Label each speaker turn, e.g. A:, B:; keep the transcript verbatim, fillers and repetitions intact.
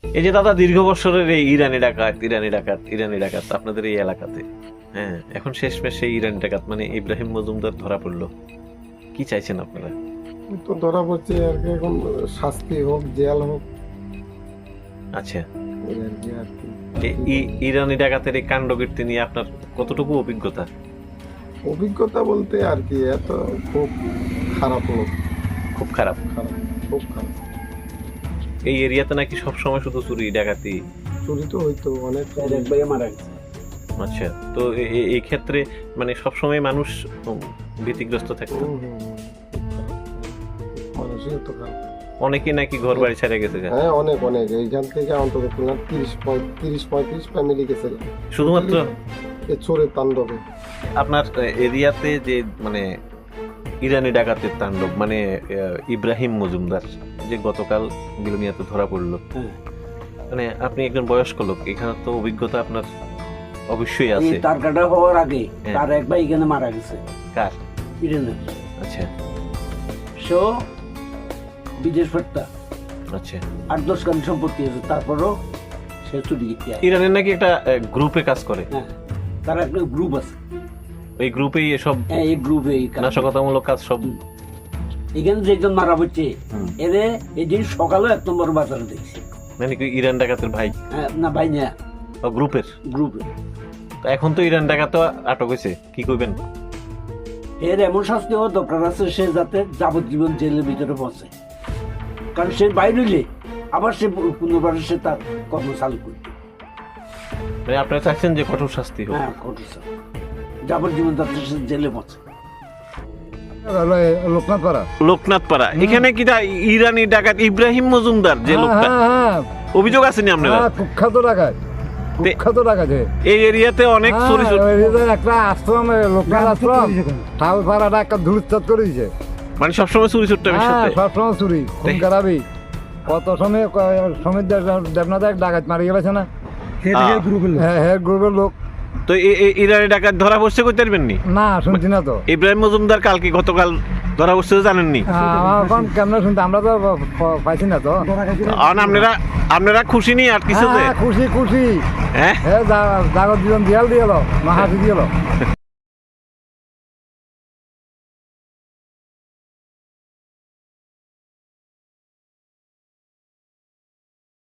A: এই যে দাদা দীর্ঘ বছরের এই ইরানি ডাকাত ইরানি ডাকাত ইরানি ডাকাত আপনাদের এই এলাকাতে, হ্যাঁ, এখন শেষমেশ সেই ইরানি ডাকাত মানে ইব্রাহিম মজুমদার ধরা পড়লো, কি চাইছেন আপনারা?
B: তো ধরা পড়ছে আর কি, এখন শাস্তি হোক, জেল হোক,
A: আচ্ছা,
B: এই আর কি আর কি।
A: এ- ই- ইরানি ডাকাতের এই কাণ্ডকীর্তি নিয়ে আপনার কতটুকু অভিজ্ঞতা?
B: অভিজ্ঞতা বলতে আর কি, এত খুব খারাপ লোক,
A: খুব খারাপ।
B: খারাপ, খুব খারাপ।
A: এই এরিয়াতে নাকি সবসময় শুধু চুরি ডাকাতি।
B: চুরি তো হইতো অনেক।
A: আচ্ছা, তো এ- এ- এই ক্ষেত্রে মানে সবসময় মানুষ উম, ভীতিগ্রস্ত থাকতো।
B: হুম, হুম, হুম, খুব খারাপ। মানুষই তো খারাপ।
A: অনেকেই নাকি ঘর বাড়ি ছেড়ে গেছে গা।
B: হ্যাঁ, অনেক অনেক এইখান থেকে অন্তত তিরিশ তিরিশ পঁয়ত্রিশ ফ্যামিলি গেছে
A: শুধুমাত্র
B: এই চোরের তাণ্ডবে।
A: আপনার এরিয়াতে যে মানে ইরানি ডাকাতের তাণ্ডব মানে আহ, ইব্রাহিম মজুমদার যে গতকাল বিলোনিয়াতে ধরা পড়লো, মানে আপনি একজন বয়স্ক লোক, এখানে তো অভিজ্ঞতা আপনার অবশ্যই আছে।
C: এই তার কাটা হওয়ার আগে
A: হ্যাঁ।
C: তার এক ভাই এখানে মারা গেছে
A: কার?
C: ইরানের।
A: আচ্ছা
C: সে বিদেশ ফেরতা,
A: আচ্ছা।
C: আট দশ গান সম্পত্তি আছে, তারপরও সে চুরি গিয়ে
A: ইরানের নাকি একটা গ্রুপে কাজ করে,
C: হ্যাঁ, তার একটা গ্রুপ আছে,
A: ওই গ্রুপেই এসব
C: হ্যাঁ, এই গ্রুপে
A: নাশকতামূলক কাজ সব।
C: এখানে যে একজন মারা পড়ছে
A: হুম।
C: এরে এই দিন সকালে এক নম্বর বাজারে দেখছি।
A: মানে কি ইরান ডাকাতের ভাই?
C: হ্যাঁ, না ভাই না,
A: ও গ্রুপের।
C: গ্রুপে।
A: তো এখন তো ইরান ডাকাত আটক হয়েছে, কি করবেন?
C: এর এমন শাস্তি হওয়া দরকার আছে, সে যাতে যাবজ্জীবন জেলের ভিতরে বসে, কারণ সে বাইরে হইলে আবার সে পুনর্বার সে তার কর্ম চালু করবে।
A: মানে আপনারা চাচ্ছেন যে কঠোর শাস্তি হোক?
C: হ্যাঁ, কঠোর শাস্তি। যাবজ্জীবন যাতে সে জেলে বসে।
D: লোকনাথ পাড়া।
A: লোকনাথ পাড়া, এখানে কি তা ইরানি ডাকাত ইব্রাহিম মজুমদার যে লোকটা, অভিযোগ আছে নি আপনারা?
D: কুখ্যাত ডাকাত, কুখ্যাত ডাকাত।
A: এই এরিয়াতে অনেক চুরি চুরি-
D: একটা আশ্রম, লোকনাথ আশ্রম, ঠাকুর পাড়াটা একটা ধুরুচ্ছাদ করে দিয়েছে।
A: মানে সবসময় চুরি চুট্টামের সাথে।
D: সবসময় চুরি, খুন খারাপি। কত সময় সমীর দেবনাথ এক ডাকাত মারি গেছে না,
A: হ্যাঁ।
D: হ্যাঁ হ্যাঁ গ্রুপের লোক।
A: তো এই- এই ইরানি ডাকাত ধরা পড়ছে কইতে পারবেন নি?
D: না শুনছি না তো।
A: ইব্রাহিম মজুমদার কালকে গতকাল ধরা পড়ছে জানেননি?
D: আমার এখন কেমন শুনতে আমরা তো প- পাইছি না তো।
A: আর আপনারা আপনারা খুশি নি আর কিছু যে?
D: হ্যাঁ, খুশি খুশি।
A: হ্যাঁ,
D: হ্যাঁ, জাগত জীবন দিয়াল দিয়ে মহাশি দিয়ে